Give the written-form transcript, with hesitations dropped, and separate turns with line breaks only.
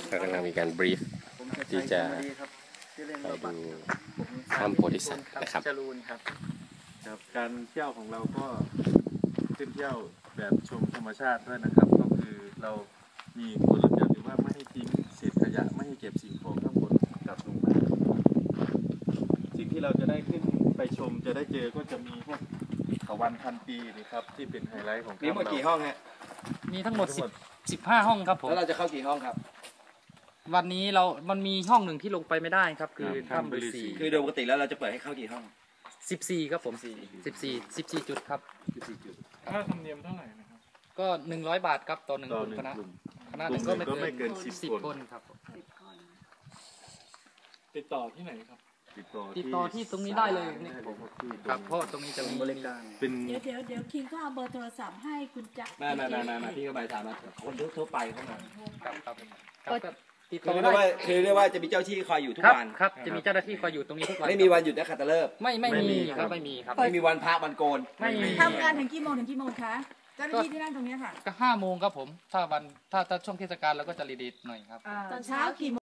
ก็กำลังมีการบรีฟที่จะไปดูถ้ำโพธิสัตว์นะครับ
จรูนครับการเที่ยวของเราก็ขึ้นเที่ยวแบบชมธรรมชาติด้วยนะครับก็คือเรามีกฎระเบียบหรือว่าไม่ให้ทิ้งเศษขยะไม่ให้เก็บสิ่งของข้างบนกลับลงมาสิ่งที่เราจะได้ขึ้นไปชมจะได้เจอก็จะมีพวกเขาวันพันปีนะครับที่เป็นไฮไลท์ของ
มีหมดกี่ห้องฮะ
มีทั้งหมด15 ห้องครับผม
แล้วเราจะเข้ากี่ห้องครับ
วันนี้มันมีห้องหนึ่งที่ลงไปไม่ได้ครับคือถ้ำฤาษี
คือโดยปกติแล้วเราจะเปิดให้เข้ากี่ห้อง
14ครับผม14จุดครับ
14จุด
ค่าธรรมเนียมเท่าไหร่นะครับ
ก็100 บาทครับต่อ1กลุ่มคณะหนึ่งก็ไม่เกิน10 คนครับ
ติดต่อที่ไหนครับ
ติดต่อที่ตรงนี้ได้เลยนี่ครับเพราะตรงนี้จะมีบริการ
เป็น
เดี๋ยวคิงก็เอาเบอร์โทรศัพท์ให้คุณจะ
มาพี่ก็ไปถามมาคนทั่วไปเข้ามา
ครับ
ติดต่อได้คือเรียกว่าจะมีเจ้าที่คอยอยู่ทุกวัน
ครับจะมีเจ้าหน้าที่คอยอยู่ตรงนี้ทุกวัน
ไม่มีวันหยุดนะขัตฤกษ์
ไม่มีครับไม่มีครับ
ไม่มีวันพระวันโกน
ไม่มี
ทำงานถึงกี่โมงคะเจ้าหน้าที่ที่นั่งตรงนี้ค่ะ
ก็5 โมงครับผมถ้าช่วงเทศกาลเราก็จะรีดีหน่อยครับ
ตอนเช้ากี่โมง